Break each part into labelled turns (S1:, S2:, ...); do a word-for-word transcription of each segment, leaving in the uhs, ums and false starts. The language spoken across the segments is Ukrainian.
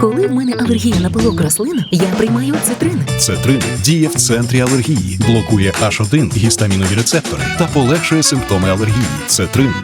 S1: Коли в мене алергія на пилок рослин, я приймаю цитрин.
S2: Цетрин діє в центрі алергії, блокує аш один гістамінові рецептори та полегшує симптоми алергії. Цетрин.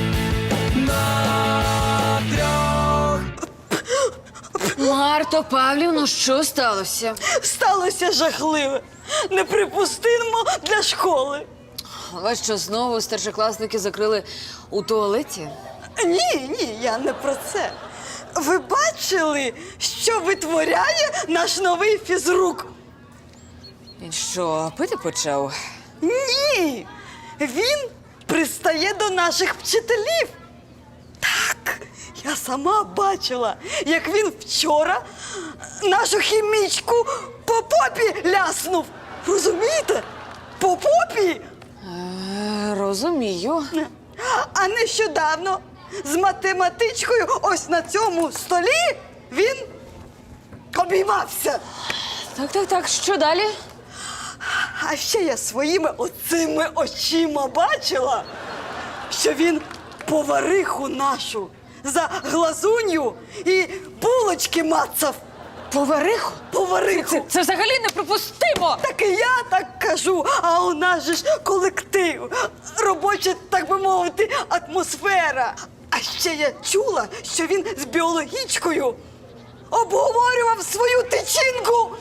S3: Марто Павлівно, що сталося?
S4: Сталося жахливе. Неприпустимо для школи.
S3: Вас що, знову старшокласники закрили у туалеті?
S4: Ні, ні, я не про це. Ви бачили, що витворяє наш новий фізрук?
S3: Він що, пити почав?
S4: Ні! Він пристає до наших вчителів. Так, я сама бачила, як він вчора нашу хімічку по попі ляснув. Розумієте? По попі!
S3: Е, розумію.
S4: А нещодавно з математичкою ось на цьому столі він обіймався.
S3: Так, так, так, що далі?
S4: А ще я своїми оцими очима бачила, що він повариху нашу за глазунью і булочки мацав.
S3: Повариху?
S4: Повариху.
S3: Це, це взагалі неприпустимо!
S4: Так і я так кажу, а у нас же ж колектив, робоча, так би мовити, атмосфера. А ще я чула, що він з біологічкою обговорював свою тичинку.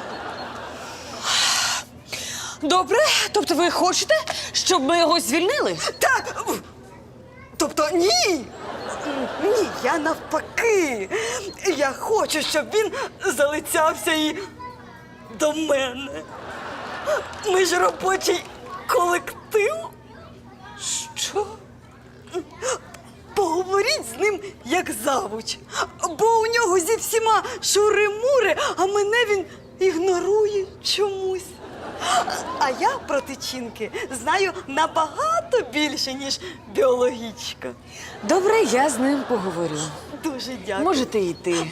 S3: Добре, тобто ви хочете, щоб ми його звільнили?
S4: Так, тобто ні. Ні, я навпаки. Я хочу, щоб він залицявся і до мене. Ми ж робочий колектив.
S3: Що?
S4: Поговоріть з ним як завуч. Бо у нього зі всіма шури-мури, а мене він ігнорує чомусь. А я про тичинки знаю набагато більше, ніж біологічка.
S3: Добре, я з ним поговорю.
S4: Дуже дякую.
S3: Можете йти.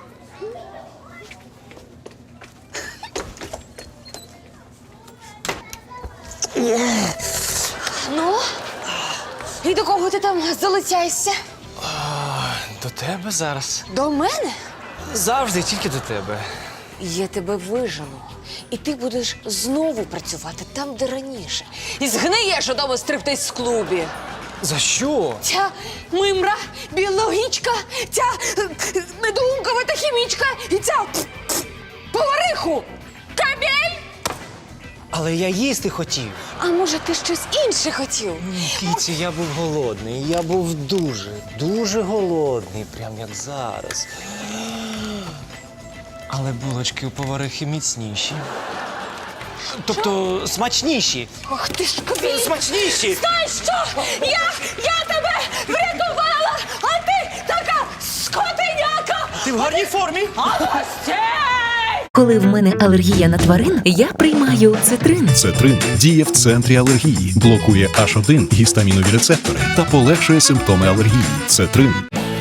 S3: Ну, і до кого ти там залицяєшся?
S5: До тебе зараз.
S3: До мене?
S5: Завжди тільки до тебе.
S3: Я тебе вижену. І ти будеш знову працювати там, де раніше. І згниєш у тому стриптиз-клубі.
S5: За що?
S3: Ця мимра, біологічка, ця е, недоумкова та хімічка і ця пф, пф, повариху. Кабель!
S5: Але я їсти хотів.
S3: А може, ти щось інше хотів?
S5: Кіці, я був голодний. Я був дуже, дуже голодний, прям як зараз. Але булочки у поварихи міцніші. Тобто смачніші.
S3: Ох ти ж кабель!
S5: Смачніші!
S3: Знаєш що? Я, я тебе врятувала, а ти така скотиняка!
S5: Ти в гарній формі?
S3: А ось цей!
S1: Коли в мене алергія на тварин, я приймаю цитрин.
S2: Цетрин діє в центрі алергії, блокує аш один гістамінові рецептори та полегшує симптоми алергії. Цетрин.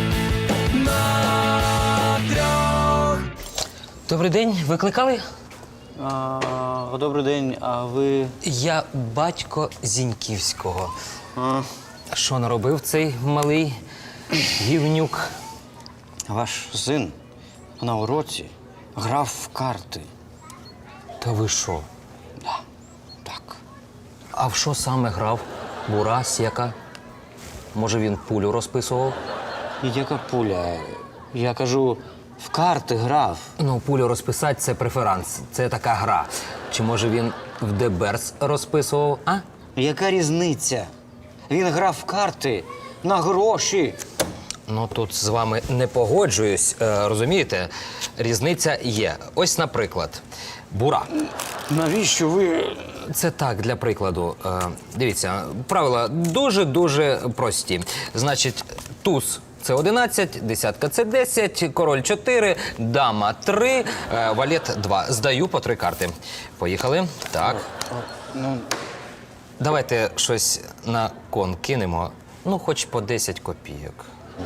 S6: Добрий день, викликали?
S7: А, добрий день, а ви.
S6: Я батько Зіньківського.
S7: А,
S6: Що наробив цей малий гівнюк?
S7: ваш син на уроці грав в карти.
S6: Та ви що?
S7: Да, так.
S6: А в що саме грав? Бура, сєка? Може, він пулю розписував?
S7: І яка пуля? Я кажу, в карти грав.
S6: Ну, пулю розписати – це преферанс, це така гра. Чи може він в Деберс розписував, а?
S7: Яка різниця? Він грав в карти на гроші.
S6: Ну, тут з вами не погоджуюсь, е, розумієте? Різниця є. Ось, наприклад, Бура.
S7: Навіщо ви.
S6: Це так, для прикладу. Е, дивіться, правила дуже-дуже прості. Значить, туз – це одинадцять, десятка – це десять, король – чотири, дама – три, е, валет – два. Здаю по три карти. Поїхали. Так.
S7: Ну,
S6: Давайте щось на кон кинемо. Ну, хоч по десять копійок.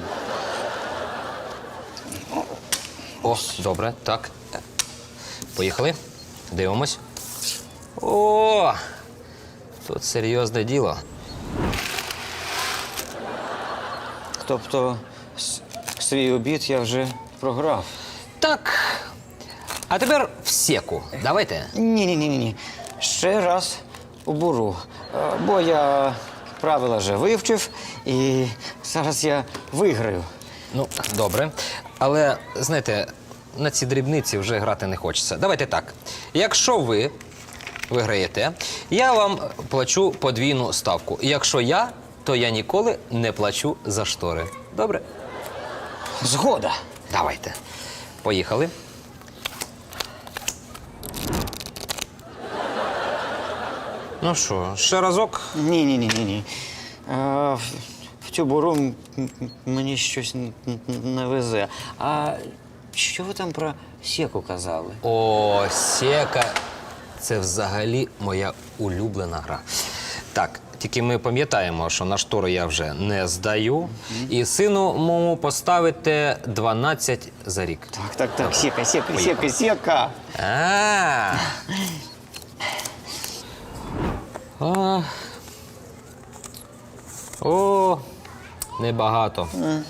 S6: О, добре, так. Поїхали. Дивимось. О! Тут серйозне діло.
S7: тобто, с- свій обід я вже програв.
S6: Так. А тепер в секу. Давайте.
S7: Ні-ні-ні. Ще раз у буру. Е, Бо я правила вже вивчив, і зараз я виграю.
S6: Ну, добре. Але, знаєте, на ці дрібниці вже грати не хочеться. Давайте так. Якщо ви виграєте, я вам плачу подвійну ставку. Якщо я, то я ніколи не плачу за штори. Добре?
S7: Згода.
S6: Давайте. Поїхали. Ну що, ще разок?
S7: Ні-ні-ні-ні. В в цю буру м- м- мені щось н- н- не везе. А що ви там про секу казали?
S6: О, сека. Це взагалі моя улюблена гра. Так, тільки ми пам'ятаємо, що на штори я вже не здаю. І сину моєму поставите дванадцять за рік.
S7: Так, так, так, сека, сека,
S6: Поїхали.
S7: сека, сека.
S6: А. А. О, небагато.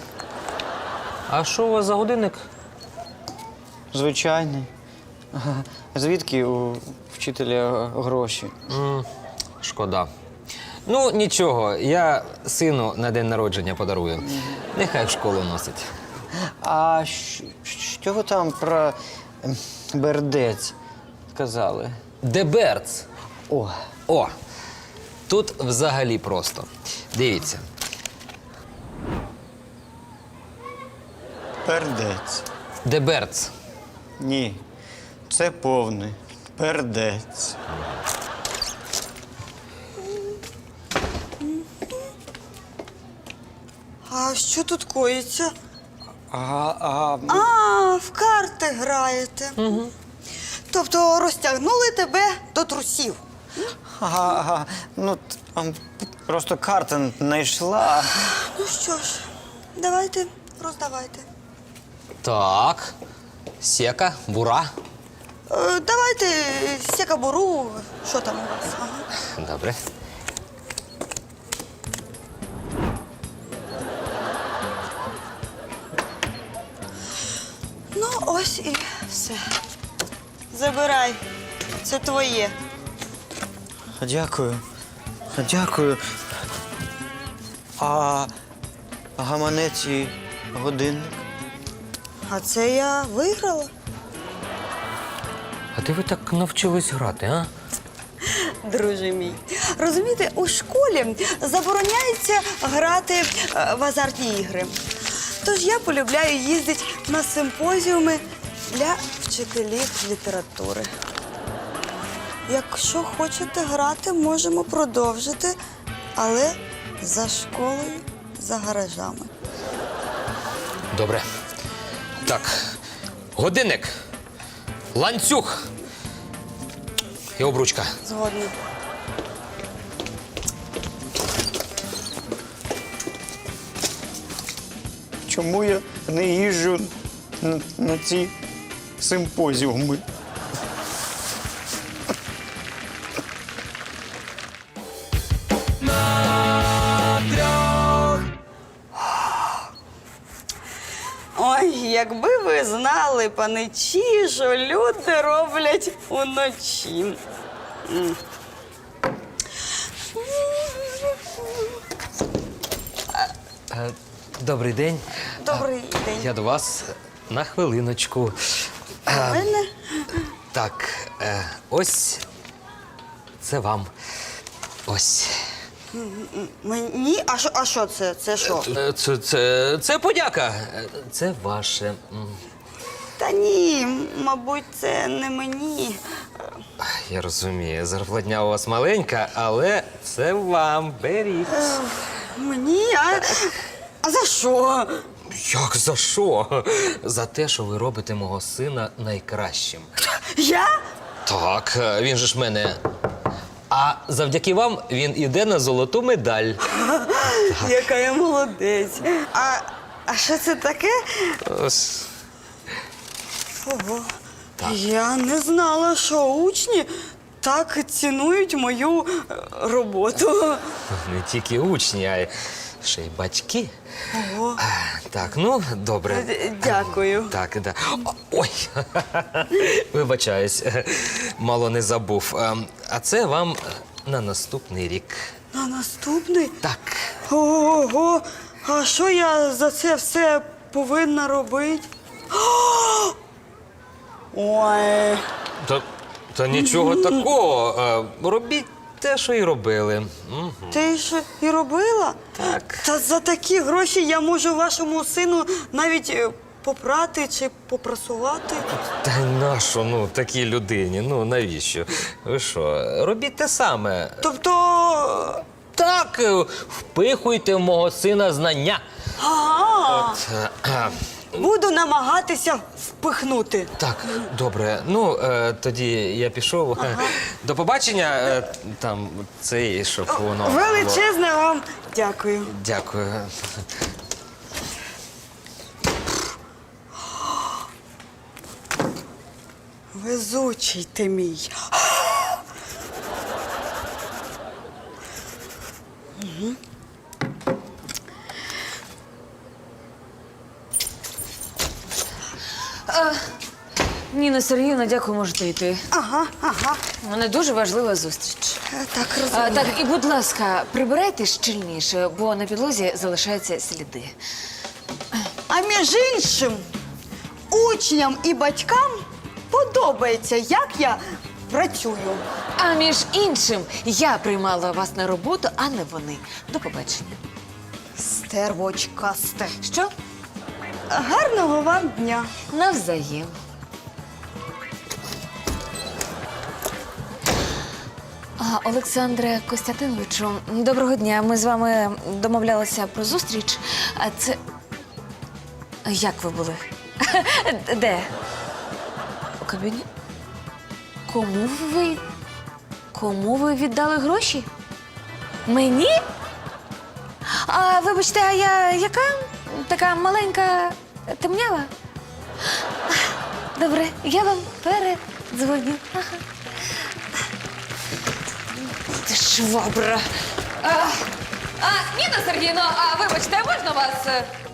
S6: А що у вас за годинник?
S7: Звичайний. Ага. Звідки у вчителя гроші?
S6: М, Шкода. Ну, нічого, я сину на день народження подарую. Нехай в школу носить.
S7: А щ- що ви там про ем, бердець казали?
S6: Деберц.
S7: О,
S6: О, тут взагалі просто. Дивіться.
S7: пердець.
S6: Деберц.
S7: Ні, це повний пердець.
S4: А що тут коїться?
S7: А, а,
S4: А, в карти граєте. Угу. Тобто розтягнули тебе до трусів.
S7: ага, ага. Ну, там просто карта не йшла.
S4: Ну що ж, давайте, роздавайте.
S6: Так. Сека, бура.
S4: Е, давайте сякабуру. Що там у вас? Ага.
S6: Добре.
S4: Ну, ось і все. Забирай. Це твоє.
S7: Дякую. Дякую. А гаманець і годинник?
S4: А це я виграла.
S6: А де ви так навчились грати, а?
S4: Друже мій. Розумієте, у школі забороняється грати е, в азартні ігри. Тож я полюбляю їздити на симпозіуми для вчителів літератури. Якщо хочете грати, можемо продовжити, але за школою, за гаражами.
S6: Добре. Так. Годинник. Ланцюг. І обручка.
S4: Згодна.
S7: Чому я не їжджу на, на ці симпозіуми?
S4: Ой, якби ви знали, паничі, що люди роблять уночі. М.
S6: Е, Добрий день.
S4: Добрий день.
S6: Я до вас на хвилиночку.
S4: У мене?
S6: Так, е, ось це вам. Ось.
S4: Мені? А що, а що це? Це що?
S6: Е, Це, це, це подяка. Е, Це ваше. М.
S4: Та ні, мабуть, це не мені.
S6: Я розумію, зарплатня у вас маленька, але це вам. Беріть.
S4: Мені? А, а за що?
S6: Як за що? За те, що ви робите мого сина найкращим.
S4: Я?
S6: Так, е, він же ж мене. А завдяки вам він іде на золоту медаль.
S4: Яка я молодець. А, а що це таке?
S6: Ось.
S4: Ого. Я не знала, що учні так цінують мою е, роботу.
S6: Не тільки учні, а й ще й батьки.
S4: Ого.
S6: А, Так, ну, добре.
S4: Д- Дякую.
S6: Так, да. О, ой, вибачаюсь, мало не забув. Ем, А це вам на наступний рік.
S4: На наступний?
S6: Так.
S4: Ого, а що я за це все повинна робити? Ой.
S6: Та, та нічого такого. Е, Робіть те, що і робили. Мгм.
S4: Ти ж і робила?
S6: Так.
S4: Та за такі гроші я можу вашому сину навіть е, попрати чи попрасувати.
S6: Та й нащо, ну, такій людині? Ну, навіщо? Ви що, робіть те саме.
S4: Тобто.
S6: Так, е, впихуйте в мого сина знання.
S4: Ага,
S6: От, е, е,
S4: буду намагатися впихнути.
S6: Так, добре. Ну, е, тоді я пішов. До побачення. Е, там цей, щоб воно. було.
S4: Величезне вам дякую.
S6: Дякую.
S4: Везучий ти мій.
S3: Ніна Сергіївна, дякую, можете йти.
S4: Ага, ага.
S3: У мене дуже важлива зустріч.
S4: Е, Так
S3: А,
S4: розумію.
S3: так, і будь ласка, прибирайте щільніше, бо на підлозі залишаються сліди.
S4: А між іншим, учням і батькам подобається, як я працюю.
S3: А між іншим, я приймала вас на роботу, а не вони. До побачення.
S4: Стервочкасте.
S3: Що?
S4: Гарного вам дня.
S3: Навзаєм. А, Олександре Костянтиновичу, доброго дня. Ми з вами домовлялися про зустріч. А це. Як ви були? Де? У кабіні? Кому ви? Кому ви віддали гроші? Мені? А вибачте, а я яка? Така маленька темнява? Добре, я вам передзвоню. Ага. Ти швабра. А, а, Ніна Сергійовна, а вибачте, можна вас? е,